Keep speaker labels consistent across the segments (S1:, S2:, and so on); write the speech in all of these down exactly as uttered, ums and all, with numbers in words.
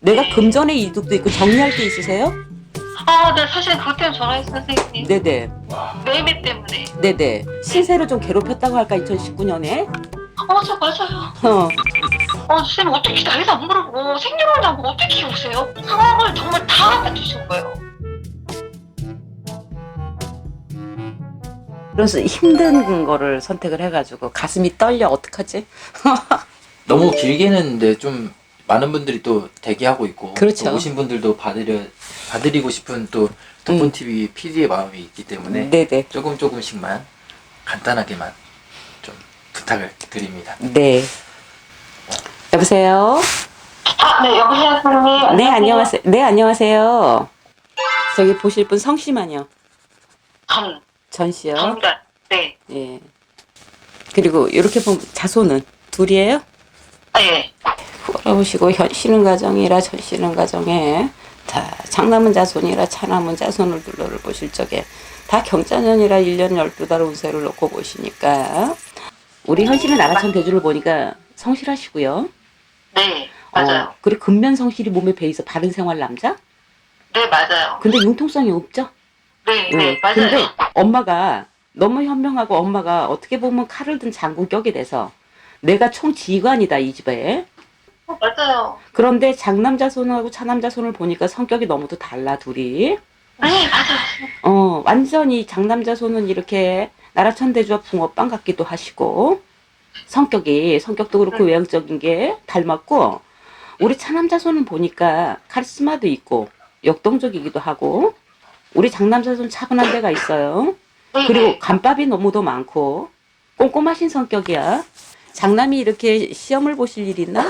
S1: 내가
S2: 네.
S1: 금전의 이득도 있고 정리할 게 있으세요?
S2: 아, 네, 사실 그것 때문에 전화했어요, 선생님.
S1: 네네.
S2: 매매 때문에.
S1: 네네. 신세로 좀 괴롭혔다고 할까, 이천십구 년에?
S2: 어, 맞아, 맞아요.
S1: 어.
S2: 어, 선생님, 어떻게 나이도 안 물어보고 생년월일 안 보고 어떻게 오세요? 상황을 정말 다 알려주신 거예요.
S1: 그래서 힘든 거를 선택을 해가지고 가슴이 떨려. 어떡하지?
S3: 너무 길게는 했는데 좀 많은 분들이 또 대기하고 있고
S1: 그렇죠.
S3: 또 오신 분들도 받으려 받으리고 싶은 또 덕분
S1: 음.
S3: 티비 피디의 마음이 있기 때문에
S1: 네네.
S3: 조금 조금씩만 간단하게만 좀 부탁을 드립니다.
S1: 네. 여보세요?
S2: 아, 네, 여보세요, 선생님.
S1: 네, 안녕하세요. 네, 안녕하세요. 저기 보실 분 성씨만요.
S2: 전,
S1: 전 씨요.
S2: 전가, 네.
S1: 예. 그리고 이렇게 보면 자손은 둘이에요?
S2: 아, 예.
S1: 돌아오시고 현 씨는 가정이라 전 씨는 가정에 다 장남은 자손이라 차남은 자손을 둘러를 보실 적에 다 경자년이라 일 년 열두 달 운세를 놓고 보시니까 우리 현 씨는 나라천 대주를 보니까 성실하시고요.
S2: 네, 맞아요.
S1: 어, 그리고 근면 성실이 몸에 배이서 바른 생활 남자?
S2: 네, 맞아요.
S1: 근데 융통성이 없죠?
S2: 네,
S1: 응.
S2: 네, 맞아요.
S1: 근데 엄마가 너무 현명하고 엄마가 어떻게 보면 칼을 든 장군격이 돼서 내가 총지휘관이다 이 집에.
S2: 어, 맞아요.
S1: 그런데 장남자손하고 차남자손을 보니까 성격이 너무도 달라 둘이.
S2: 네, 맞아요.
S1: 어 완전히 장남자손은 이렇게 나라천대주와 붕어빵 같기도 하시고 성격이 성격도 그렇고
S2: 음.
S1: 외향적인 게 닮았고 우리 차남자손은 보니까 카리스마도 있고 역동적이기도 하고 우리 장남자손 차분한 데가 있어요.
S2: 네,
S1: 그리고
S2: 네.
S1: 간밥이 너무도 많고 꼼꼼하신 성격이야. 장남이 이렇게 시험을 보실 일 있나?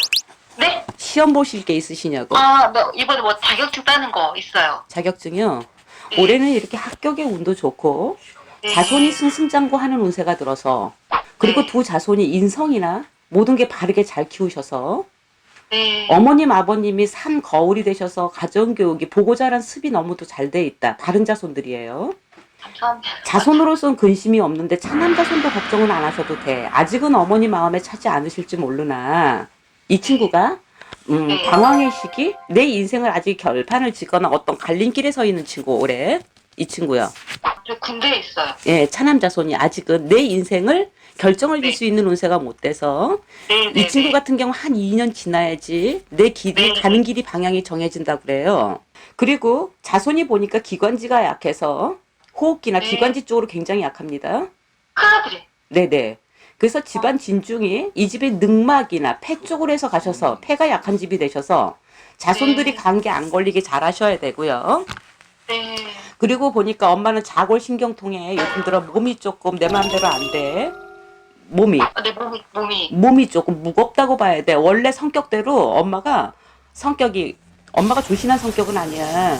S2: 네?
S1: 시험 보실 게 있으시냐고.
S2: 아, 뭐, 이번에 뭐 자격증 따는 거 있어요.
S1: 자격증이요.
S2: 네.
S1: 올해는 이렇게 학격의 운도 좋고
S2: 네.
S1: 자손이 승승장구하는 운세가 들어서 그리고
S2: 네.
S1: 두 자손이 인성이나 모든 게 바르게 잘 키우셔서
S2: 네.
S1: 어머님 아버님이 산 거울이 되셔서 가정교육이 보고 자란 습이 너무도 잘 돼 있다. 다른 자손들이에요.
S2: 감사합니다.
S1: 자손으로서는 근심이 없는데 차남자손도 걱정은 안 하셔도 돼. 아직은 어머니 마음에 차지 않으실지 모르나 이 친구가 음,
S2: 네.
S1: 방황의 시기? 내 인생을 아직 결판을 짓거나 어떤 갈림길에 서 있는 친구 올해 이 친구요.
S2: 저 군대에 있어요.
S1: 예, 차남자손이 아직은 내 인생을 결정을 질
S2: 네.
S1: 수 있는 운세가 못 돼서
S2: 네, 네,
S1: 이 친구
S2: 네.
S1: 같은 경우 한 이 년 지나야지 내 길이
S2: 네.
S1: 가는 길이 방향이 정해진다 그래요. 그리고 자손이 보니까 기관지가 약해서 호흡기나
S2: 네.
S1: 기관지 쪽으로 굉장히 약합니다.
S2: 큰아들이.
S1: 네네. 그래서 집안 진중이 이 집이 늑막이나 폐 쪽으로 해서 가셔서 폐가 약한 집이 되셔서 자손들이
S2: 네.
S1: 감기 안 걸리게 잘 하셔야 되고요.
S2: 네.
S1: 그리고 보니까 엄마는 자골신경통에 요즘 들어 몸이 조금 내 마음대로 안 돼. 몸이.
S2: 아, 내 몸이, 몸이.
S1: 몸이 조금 무겁다고 봐야 돼. 원래 성격대로 엄마가 성격이 엄마가 조신한 성격은 아니야.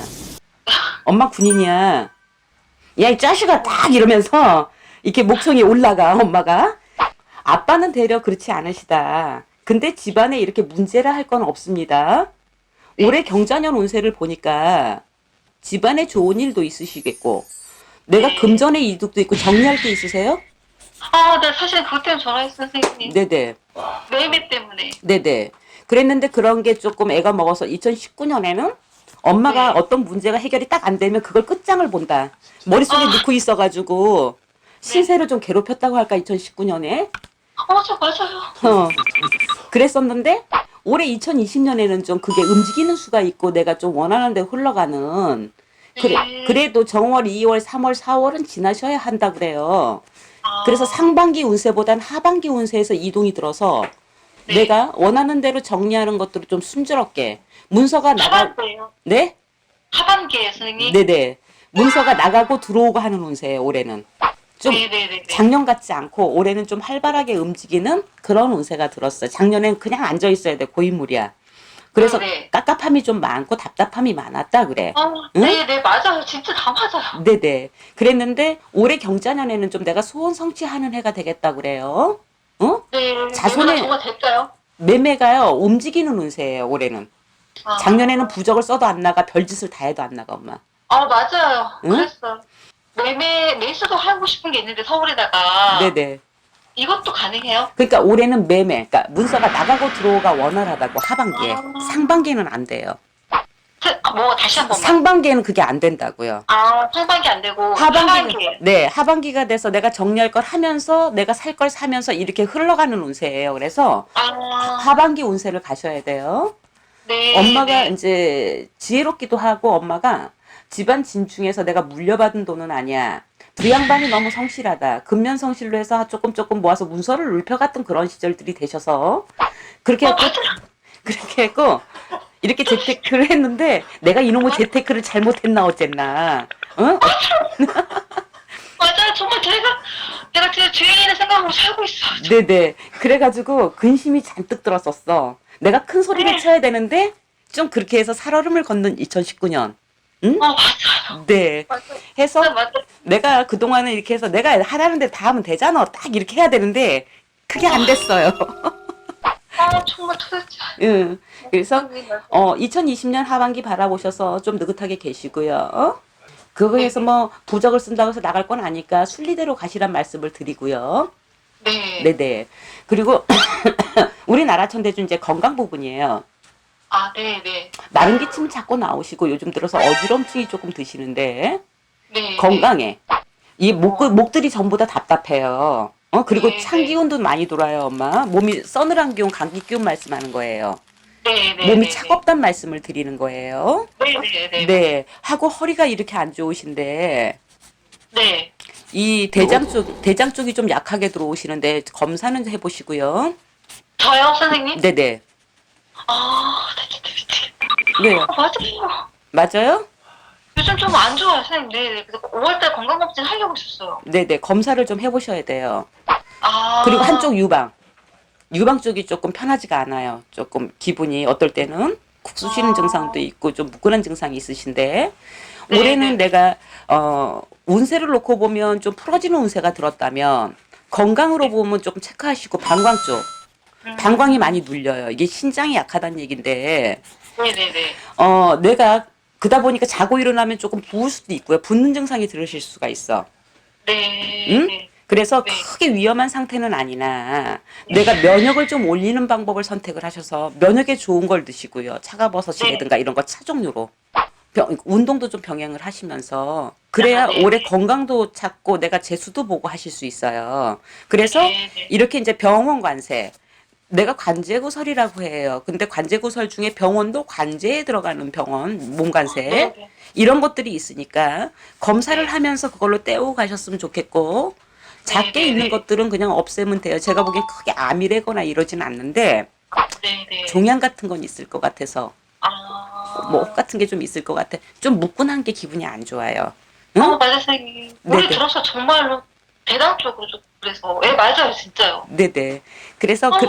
S1: 엄마 군인이야. 야, 이 자식아 딱 이러면서 이렇게 목청이 올라가 엄마가. 아빠는 되려 그렇지 않으시다. 근데 집안에 이렇게 문제라 할 건 없습니다. 올해 경자년 운세를 보니까 집안에 좋은 일도 있으시겠고 내가
S2: 네.
S1: 금전의 이득도 있고 정리할 게 있으세요?
S2: 아, 네, 사실 그것 때문에 전화했어요, 선생님.
S1: 네네.
S2: 매매 때문에.
S1: 네네. 그랬는데 그런 게 조금 애가 먹어서 이천십구 년에는 엄마가
S2: 네.
S1: 어떤 문제가 해결이 딱 안 되면 그걸 끝장을 본다. 머릿속에
S2: 아.
S1: 넣고 있어가지고 신세로 좀 괴롭혔다고 할까 이천십구 년에.
S2: 아, 맞아, 맞아요.
S1: 어. 그랬었는데 올해 이천이십 년에는 좀 그게 움직이는 수가 있고 내가 좀 원하는 데 흘러가는 그래,
S2: 네.
S1: 그래도 정월, 이월, 삼월, 사월은 지나셔야 한다 그래요.
S2: 아.
S1: 그래서 상반기 운세보단 하반기 운세에서 이동이 들어서
S2: 네.
S1: 내가 원하는 대로 정리하는 것들을 좀 순조롭게 문서가 나가
S2: 하반기에요.
S1: 네?
S2: 하반기에 선생님.
S1: 네네. 문서가 나가고 들어오고 하는 운세예요 올해는. 좀
S2: 네네네.
S1: 작년 같지 않고 올해는 좀 활발하게 움직이는 그런 운세가 들었어요. 작년엔 그냥 앉아 있어야 돼 고인물이야. 그래서
S2: 네.
S1: 깝깝함이 좀 많고 답답함이 많았다 그래.
S2: 아,
S1: 응?
S2: 네네, 맞아요. 진짜 다 맞아요.
S1: 네네. 그랬는데 올해 경자년에는 좀 내가 소원 성취하는 해가 되겠다 그래요. 어?
S2: 네.
S1: 자손의-
S2: 매매가 정말 됐어요.
S1: 매매가요 움직이는 운세예요 올해는.
S2: 아.
S1: 작년에는 부적을 써도 안 나가 별짓을 다 해도 안 나가 엄마.
S2: 아, 맞아요.
S1: 응?
S2: 그랬어요. 매매, 매수도 하고 싶은 게 있는데 서울에다가.
S1: 네네.
S2: 이것도 가능해요?
S1: 그러니까 올해는 매매, 그러니까 문서가 나가고 들어오가 원활하다고 하반기에.
S2: 아.
S1: 상반기에는 안 돼요.
S2: 그, 뭐 다시 한 번만.
S1: 상반기에는 그게 안 된다고요.
S2: 아, 상반기 안 되고
S1: 하반기,
S2: 하반기에.
S1: 네, 하반기가 돼서 내가 정리할 걸 하면서 내가 살 걸 사면서 이렇게 흘러가는 운세예요. 그래서
S2: 아,
S1: 하반기 운세를 가셔야 돼요.
S2: 네.
S1: 엄마가
S2: 네.
S1: 이제 지혜롭기도 하고 엄마가 집안 진중에서 내가 물려받은 돈은 아니야. 두 양반이 너무 성실하다. 근면 성실로 해서 조금 조금 모아서 문서를 울펴갔던 그런 시절들이 되셔서 그렇게
S2: 어,
S1: 했고,
S2: 맞아요.
S1: 그렇게 했고 이렇게 재테크를 했는데 내가 이놈의 재테크를 잘못했나 어쨌나. 어?
S2: 맞아요. 정말 제가 내가 진짜 죄인의 생각으로 살고 있어.
S1: 네네. 그래가지고 근심이 잔뜩 들었었어. 내가 큰 소리를
S2: 네.
S1: 쳐야 되는데 좀 그렇게 해서 살얼음을 걷는 이천십구 년. 응?
S2: 어, 맞아요.
S1: 네.
S2: 맞아요.
S1: 해서
S2: 진짜 맞아요.
S1: 내가 그동안은 이렇게 해서 내가 하라는 대로 다 하면 되잖아. 딱 이렇게 해야 되는데 그게 안 됐어요.
S2: 아, 정말 도대체.
S1: 응. 그래서 어 이천이십 년 하반기 바라보셔서 좀 느긋하게 계시고요. 어? 그거에서 뭐 부적을 쓴다고 해서 나갈 건 아니까 순리대로 가시란 말씀을 드리고요.
S2: 네.
S1: 네네. 그리고 우리나라 천대주 이제 건강 부분이에요.
S2: 아, 네, 네.
S1: 마른 기침 자꾸 나오시고 요즘 들어서 어지럼증이 조금 드시는데
S2: 네.
S1: 건강에 이 목, 목들이 전부 다 답답해요. 어 그리고
S2: 네,
S1: 찬
S2: 네.
S1: 기운도 많이 돌아요, 엄마. 몸이 서늘한 기운, 감기 기운 말씀하는 거예요.
S2: 네, 네.
S1: 몸이
S2: 네,
S1: 차갑단 말씀을 드리는 거예요.
S2: 네, 네, 네.
S1: 네. 하고 허리가 이렇게 안 좋으신데
S2: 네.
S1: 이 대장 쪽 대장 쪽이 좀 약하게 들어오시는데 검사는 해보시고요.
S2: 저요, 선생님?
S1: 네네.
S2: 아, 나 진짜 미치겠다.
S1: 왜요?
S2: 아, 맞아요.
S1: 맞아요?
S2: 요즘 좀 안 좋아요, 선생님. 네, 네. 그래서 오월달 건강검진 하려고 했었어요.
S1: 네네. 검사를 좀 해보셔야 돼요.
S2: 아.
S1: 그리고 한쪽 유방. 유방 쪽이 조금 편하지가 않아요. 조금 기분이 어떨 때는 쿡 쑤시는
S2: 아.
S1: 증상도 있고 좀 무근한 증상이 있으신데
S2: 네,
S1: 올해는
S2: 네.
S1: 내가 어 운세를 놓고 보면 좀 풀어지는 운세가 들었다면 건강으로 보면 조금 체크하시고 방광 쪽
S2: 음.
S1: 방광이 많이 눌려요. 이게 신장이 약하다는 얘긴데
S2: 네, 네, 네.
S1: 어 내가 그다 보니까 자고 일어나면 조금 부을 수도 있고요. 붓는 증상이 들으실 수가 있어.
S2: 네.
S1: 응?
S2: 네.
S1: 그래서
S2: 네.
S1: 크게 위험한 상태는 아니나 내가 면역을 좀 올리는 방법을 선택을 하셔서 면역에 좋은 걸 드시고요. 차가버섯이라든가 이런 거 차 종류로 병- 운동도 좀 병행을 하시면서 그래야
S2: 아, 네.
S1: 올해 건강도 찾고 내가 재수도 보고 하실 수 있어요. 그래서
S2: 네, 네.
S1: 이렇게 이제 병원 관세 내가 관제구설이라고 해요. 근데 관제구설 중에 병원도 관제에 들어가는 병원 몸관세
S2: 네, 네.
S1: 이런 것들이 있으니까 검사를
S2: 네.
S1: 하면서 그걸로 떼우고 가셨으면 좋겠고 작게
S2: 네, 네,
S1: 있는
S2: 네.
S1: 것들은 그냥 없애면 돼요. 제가 보기엔 크게 암이래거나 이러진 않는데
S2: 네, 네.
S1: 종양 같은 건 있을 것 같아서
S2: 아.
S1: 뭐 혹 같은 게 좀 있을 것 같아. 좀 묵근한 게 기분이 안 좋아요. 응?
S2: 어, 맞아요, 선생님. 우리
S1: 네네.
S2: 들어서 정말로 대당 쪽으로 좀 그래서. 예, 맞아요, 진짜요.
S1: 네네. 그래서
S2: 어,
S1: 그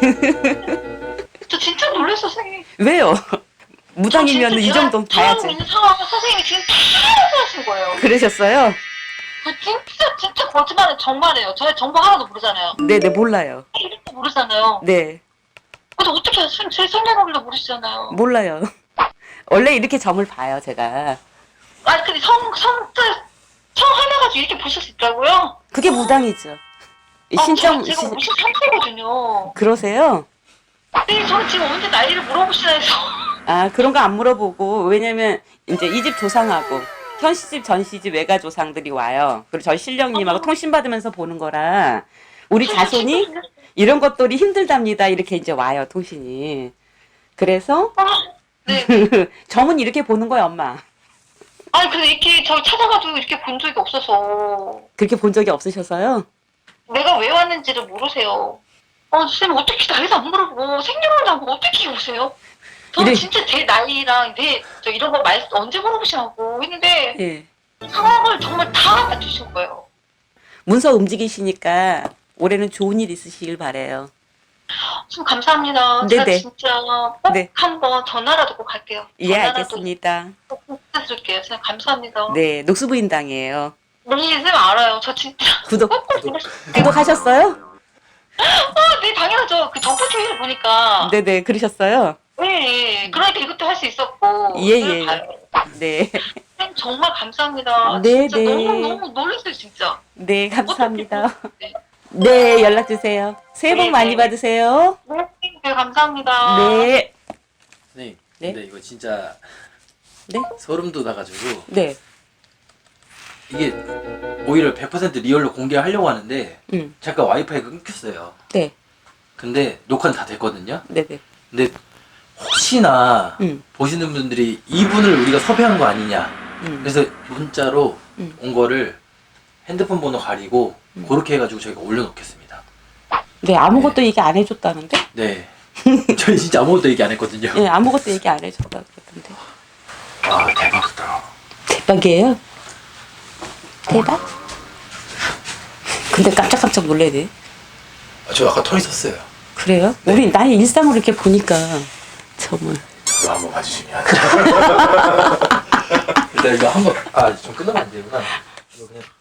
S2: 저 진짜 놀랐어, 선생님.
S1: 왜요? 무당이면
S2: 저
S1: 이
S2: 진짜
S1: 정도는
S2: 제가
S1: 봐야지.
S2: 처음 있는 상황을 선생님이 지금 다 하신 거예요.
S1: 그러셨어요?
S2: 저 진짜 진짜 거짓말은 정말이에요. 저희 정보 하나도 모르잖아요.
S1: 네네 몰라요.
S2: 이름도 모르잖아요.
S1: 네
S2: 근데 어떻게 선- 제 생년월일도 모르시잖아요.
S1: 몰라요. 원래 이렇게 점을 봐요 제가.
S2: 아니 근데 성 성자 성 하나 가지고 이렇게 보실 수 있다고요?
S1: 그게 무당이죠. 이
S2: 아,
S1: 신청
S2: 제가
S1: 신-
S2: 오십삼 세거든요.
S1: 그러세요?
S2: 네, 저는 지금 언제 나이를 물어보시나 해서.
S1: 아 그런 거 안 물어보고 왜냐면 이제 이 집 조상하고 현 시집 전 시집 외가 조상들이 와요. 그리고 저희 신령님하고
S2: 아.
S1: 통신 받으면서 보는 거라 우리
S2: 진짜
S1: 자손이
S2: 진짜
S1: 이런 것들이 힘들답니다. 이렇게 이제 와요 통신이. 그래서
S2: 아, 네.
S1: 점은 이렇게 보는 거야 엄마.
S2: 아니 근데 이렇게 저 찾아가지고 이렇게 본 적이 없어서
S1: 그렇게 본 적이 없으셔서요?
S2: 내가 왜 왔는지를 모르세요. 어, 선생님 어떻게 나이도 안 물어보고 생년월일도 안 보고 어떻게 오세요? 저는
S1: 이래-
S2: 진짜 제 나이랑 내 저 이런 거 말 언제 물어보시냐고 했는데
S1: 예.
S2: 상황을 정말 다 맞추신 거예요.
S1: 문서 움직이시니까 올해는 좋은 일 있으시길 바래요.
S2: 좀 감사합니다. 제가
S1: 네네.
S2: 진짜 꼭
S1: 네.
S2: 한번 전화라도 꼭 할게요.
S1: 예
S2: 전화라도
S1: 알겠습니다.
S2: 꼭 해드릴게요. 선생님 감사합니다.
S1: 네 녹수부인당이에요.
S2: 네, 선생님 알아요. 저 진짜
S1: 구독
S2: 꼭꼭 보고 싶어요.
S1: 구독하셨어요?
S2: 아, 네, 당연하죠. 그 정보티비를 보니까.
S1: 네네 그러셨어요?
S2: 네, 네. 그러니까 이것도 할 수 있었고.
S1: 예,
S2: 그걸
S1: 예.
S2: 봐요.
S1: 네.
S2: 선생님 정말 감사합니다.
S1: 네,
S2: 진짜
S1: 네.
S2: 너무 너무 놀랐어요 진짜.
S1: 네 감사합니다.
S2: 어떻게, 네.
S1: 네, 연락 주세요. 새해 복
S2: 네,
S1: 많이
S2: 네.
S1: 받으세요.
S2: 네, 네, 감사합니다.
S1: 네.
S3: 선생님,
S1: 네?
S3: 근데 이거 진짜
S1: 네?
S3: 소름 돋아가지고
S1: 네.
S3: 이게 오히려 백 퍼센트 리얼로 공개하려고 하는데
S1: 음.
S3: 잠깐 와이파이가 끊겼어요.
S1: 네.
S3: 근데 녹화는 다 됐거든요.
S1: 네, 네.
S3: 근데 혹시나
S1: 음.
S3: 보시는 분들이 이분을 우리가 섭외한 거 아니냐.
S1: 음.
S3: 그래서 문자로
S1: 음.
S3: 온 거를 핸드폰 번호 가리고
S1: 음.
S3: 그렇게 해가지고 저희가 올려놓겠습니다.
S1: 네, 아무것도 얘기 안 해줬다는데?
S3: 네. 저희 진짜 아무것도 얘기 안 했거든요.
S1: 네, 아무것도 얘기 안 해줬다고 그러던데.
S3: 아 대박이다.
S1: 대박이에요? 대박? 근데 깜짝깜짝 놀래네.
S3: 아, 저 아까 털 있었어요.
S1: 그래요?
S3: 네.
S1: 우리 나의 일상으로 이렇게 보니까 정말.
S3: 저도 한번 봐주시면. 일단 이거 한번 아 좀 끊으면 안 되구나. 이거 그냥